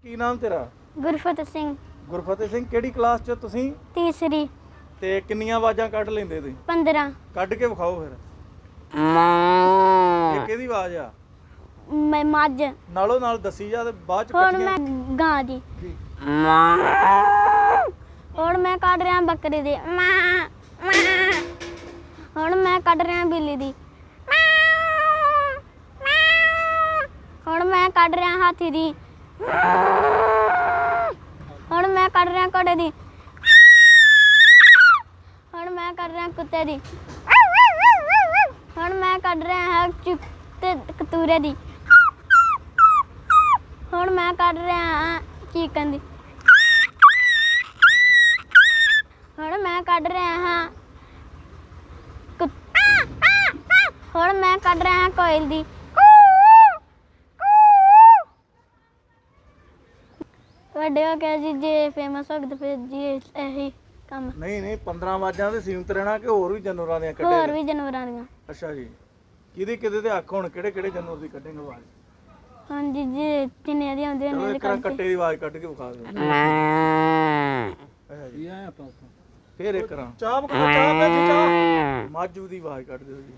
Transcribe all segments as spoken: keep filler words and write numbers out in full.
ਕੀ ਨਾਮ ਤੇਰਾ? ਗੁਰਫਤਿਹ ਸਿੰਘ। ਗੁਰਫਤਿਹ ਸਿੰਘ, ਕਿਹੜੀ ਕਲਾਸ 'ਚ ਤੁਸੀਂ? ਤੀਸਰੀ। ਤੇ ਕਿੰਨੀਆਂ ਆਵਾਜ਼ਾਂ ਕੱਢ ਲੈਂਦੇ ਤੁਸੀਂ? ਪੰਦਰਾਂ। ਕੱਢ ਕੇ ਵਿਖਾਓ ਫਿਰ। ਇਹ ਕਿਹਦੀ ਆਵਾਜ਼ ਆ? ਮੈਂ ਮੱਝ। ਨਾਲੋਂ ਨਾਲ ਦੱਸੀ ਜਾ ਤੇ ਬਾਅਦ 'ਚ ਹੁਣ ਮੈਂ ਗਾਂ ਦੀ। ਹੁਣ ਮੈਂ ਕੱਢ ਰਿਹਾ ਬੱਕਰੀ ਦੀ। ਹੁਣ ਮੈਂ ਕੱਢ ਰਿਹਾ ਬਿੱਲੀ ਦੀ। ਹੁਣ ਮੈਂ ਕੱਢ ਰਿਹਾ ਹਾਥੀ ਦੀ। ਹੁਣ ਮੈਂ ਕੱਢ ਰਿਹਾ ਘੋੜੇ ਦੀ। ਹੁਣ ਮੈਂ ਕੱਢ ਰਿਹਾ ਕੁੱਤੇ ਦੀ। ਹੁਣ ਮੈਂ ਕੱਢ ਰਿਹਾ ਹਾਂ ਚਿੱਤੇ ਕਤੂਰੇ ਦੀ। ਹੁਣ ਮੈਂ ਕੱਢ ਰਿਹਾ ਹਾਂ ਚੀਕਨ ਦੀ। ਹੁਣ ਮੈਂ ਕੱਢ ਰਿਹਾ ਹਾਂ ਹੁਣ ਮੈਂ ਕੱਢ ਰਿਹਾ ਹਾਂ ਕੋਇਲ ਦੀ। ਵੱਡੇ ਹੋ ਕੇ ਜੀ ਜੇ ਫੇਮਸ ਹੋ ਗਏ ਤਾਂ ਫਿਰ ਜੀ ਇਹੀ ਕੰਮ। ਨਹੀਂ ਨਹੀਂ ਪੰਦਰਾਂ ਆਵਾਜ਼ਾਂ ਤੇ ਸੀਮਤ ਰਹਿਣਾ ਕਿ ਹੋਰ ਵੀ ਜਾਨਵਰਾਂ ਦੀਆਂ ਕੱਢੇ? ਹੋਰ ਵੀ ਜਾਨਵਰਾਂ ਦੀਆਂ। ਅੱਛਾ ਜੀ। ਕਿਹਦੇ ਕਿਹਦੇ ਤੇ ਅੱਖ ਹੁਣ ਕਿਹੜੇ ਕਿਹੜੇ ਜਾਨਵਰ ਦੀ ਕੱਢੇਂਗੇ ਆਵਾਜ਼? ਹਾਂਜੀ ਜੀ ਜਿੰਨੇ ਦੀ ਆਉਂਦੇ ਚਲੋ ਨੇ ਇੱਕ ਵਾਰ ਕੱਟੇ ਦੀ ਆਵਾਜ਼ ਕੱਢ ਕੇ ਵਿਖਾ ਦਿਓ। ਅੱਛਾ ਜੀ। ਫਿਰ ਇੱਕ ਵਾਰ ਚਾਹ ਬਕਾ ਚਾਹ ਪੈ ਜੀ ਚਾਹ। ਮਾਝੂ ਦੀ ਆਵਾਜ਼ ਕੱਢ ਦਿਓ ਜੀ।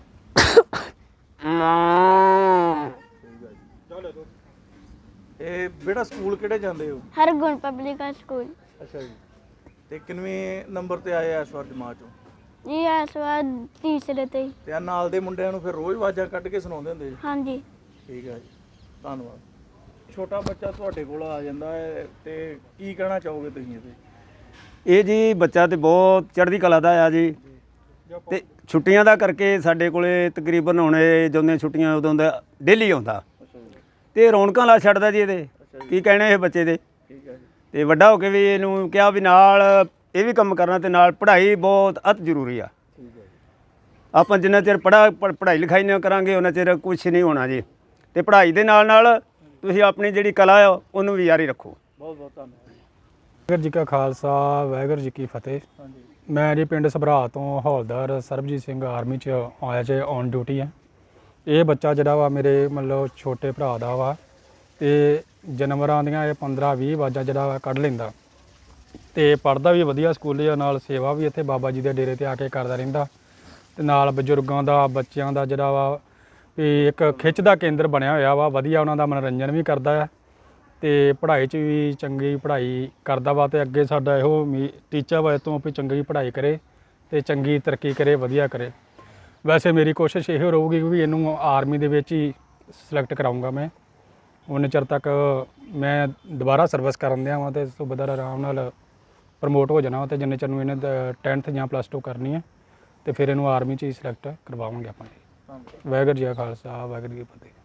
ਚਲੋ ਇਹ ਬੇਟਾ ਸਕੂਲ ਕਿਹੜੇ ਜਾਂਦੇ ਹੋ? Hargun public school. ਅੱਛਾ ਜੀ। ਤੇ ਕਿੰਨਵੇਂ ਨੰਬਰ ਤੇ ਆਏ ਇਸ ਵਾਰ ਜਮਾਤ ਚੋਂ? ਜੀ ਇਸ ਵਾਰ ਤੀਸਰੇ ਤੇ। ਤੇ ਆ ਨਾਲ ਦੇ ਮੁੰਡਿਆਂ ਨੂੰ ਫਿਰ ਰੋਜ਼ ਆਵਾਜ਼ਾਂ ਕੱਢ ਕੇ ਸੁਣਾਉਂਦੇ ਹੁੰਦੇ ਜੀ? ਹਾਂਜੀ। ਠੀਕ ਹੈ ਜੀ, ਧੰਨਵਾਦ। ਛੋਟਾ ਬੱਚਾ ਤੁਹਾਡੇ ਕੋਲ ਆ ਜਾਂਦਾ ਹੈ ਤੇ ਕੀ ਕਹਿਣਾ ਚਾਹੋਗੇ ਤੁਸੀਂ ਇਹਦੇ? ਇਹ ਜੀ ਬੱਚਾ ਤੇ ਬਹੁਤ ਚੜ੍ਹਦੀ ਕਲਾ ਦਾ ਆ ਜੀ। ਤੇ ਛੁੱਟੀਆਂ ਦਾ ਕਰਕੇ ਸਾਡੇ ਕੋਲੇ ਤਕਰੀਬਨ ਹੁਣ ਇਹ ਜਦੋਂ ਛੁੱਟੀਆਂ ਉਦੋਂ ਦਾ ਡੇਲੀ ਆਉਂਦਾ ਤੇ ਰੌਣਕਾਂ ਲਾ ਛੱਡਦਾ ਜੀ ਇਹਦੇ। ਕੀ ਕਹਿਣੇ ਇਹ ਬੱਚੇ ਦੇ। ਠੀਕ ਹੈ ਜੀ। ਤੇ ਵੱਡਾ ਹੋ ਕੇ ਵੀ ਇਹਨੂੰ ਕਿਹਾ ਵੀ ਨਾਲ ਇਹ ਵੀ ਕੰਮ ਕਰਨਾ ਤੇ ਨਾਲ ਪੜ੍ਹਾਈ ਬਹੁਤ ਅਤ ਜ਼ਰੂਰੀ ਆ। ਠੀਕ ਹੈ ਜੀ। ਆਪਾਂ ਜਿੰਨਾ ਚਿਰ ਪੜ੍ਹਾ ਪੜ੍ਹਾਈ ਲਿਖਾਈ ਨਾ ਕਰਾਂਗੇ ਉਹਨਾਂ ਚਿਰ ਕੁਛ ਨਹੀਂ ਹੋਣਾ ਜੀ। ਤੇ ਪੜ੍ਹਾਈ ਦੇ ਨਾਲ ਨਾਲ ਤੁਸੀਂ ਆਪਣੀ ਜਿਹੜੀ ਕਲਾ ਆ ਉਹਨੂੰ ਵੀ ਜਾਰੀ ਰੱਖੋ। ਬਹੁਤ ਬਹੁਤ ਧੰਨਵਾਦ। ਵਾਹਿਗੁਰੂ ਜੀ ਕਾ ਖਾਲਸਾ ਵਾਹਿਗੁਰੂ ਜੀ ਕੀ ਫਤਿਹ। ਹਾਂਜੀ। ਮੈਂ ਜੀ ਪਿੰਡ ਸਭਰਾ ਤੋਂ ਹੌਲਦਾਰ ਸਰਬਜੀਤ ਸਿੰਘ ਆਰਮੀ 'ਚ ਆਇਆ 'ਚ ਔਨ ਡਿਊਟੀ ਹੈ। ਇਹ ਬੱਚਾ ਜਿਹੜਾ ਵਾ ਮੇਰੇ ਮਤਲਬ ਛੋਟੇ ਭਰਾ ਦਾ ਵਾ ਤੇ ਜਾਨਵਰਾਂ ਦੀਆਂ ਇਹ ਪੰਦਰਾਂ ਵੀਹ ਆਵਾਜ਼ਾਂ ਜਿਹੜਾ ਵਾ ਕੱਢ ਲੈਂਦਾ ਤੇ ਪੜ੍ਹਦਾ ਵੀ ਵਧੀਆ ਸਕੂਲ ਦੇ ਨਾਲ। ਸੇਵਾ ਵੀ ਇੱਥੇ ਬਾਬਾ ਜੀ ਦੇ ਡੇਰੇ ਤੇ ਆ ਕੇ ਕਰਦਾ ਰਹਿੰਦਾ ਤੇ ਨਾਲ ਬਜ਼ੁਰਗਾਂ ਦਾ ਬੱਚਿਆਂ ਦਾ ਜਿਹੜਾ ਵਾ ਵੀ ਇੱਕ ਖਿੱਚ ਦਾ ਕੇਂਦਰ ਬਣਿਆ ਹੋਇਆ ਵਾ। ਵਧੀਆ ਉਹਨਾਂ ਦਾ ਮਨੋਰੰਜਨ ਵੀ ਕਰਦਾ ਹੈ ਤੇ ਪੜ੍ਹਾਈ 'ਚ ਵੀ ਚੰਗੀ ਪੜ੍ਹਾਈ ਕਰਦਾ ਵਾ। ਤੇ ਅੱਗੇ ਸਾਡਾ ਇਹੋ ਟੀਚਾ ਵਾ ਤੋਂ ਵੀ ਚੰਗੀ ਪੜ੍ਹਾਈ ਕਰੇ ਤੇ ਚੰਗੀ ਤਰੱਕੀ ਕਰੇ, ਵਧੀਆ ਕਰੇ। ਵੈਸੇ ਮੇਰੀ ਕੋਸ਼ਿਸ਼ ਇਹੋ ਰਹੂਗੀ ਵੀ ਇਹਨੂੰ ਆਰਮੀ ਦੇ ਵਿੱਚ ਹੀ ਸਿਲੈਕਟ ਕਰਾਊਂਗਾ ਮੈਂ। ਉਨੇ ਚਿਰ ਤੱਕ ਮੈਂ ਦੁਬਾਰਾ ਸਰਵਿਸ ਕਰਨ ਦਿਆਂ ਵਾਂ ਤੇ ਸੂਬੇਦਾਰ ਆਰਾਮ ਨਾਲ ਪ੍ਰਮੋਟ ਹੋ ਜਾਣਾ ਵਾ। ਤੇ ਜਿੰਨੇ ਚਿਰ ਨੂੰ ਇਹਨੇ ਟੈਨਥ ਜਾਂ ਪਲੱਸ ਟੂ ਕਰਨੀ ਹੈ ਤੇ ਫਿਰ ਇਹਨੂੰ ਆਰਮੀ 'ਚ ਹੀ ਸਿਲੈਕਟ ਕਰਵਾਵਾਂਗੇ ਆਪਾਂ। ਵਾਹਿਗੁਰੂ ਜੀ ਕਾ ਖਾਲਸਾ ਵਾਹਿਗੁਰੂ ਜੀ ਕੀ ਫਤਿਹ।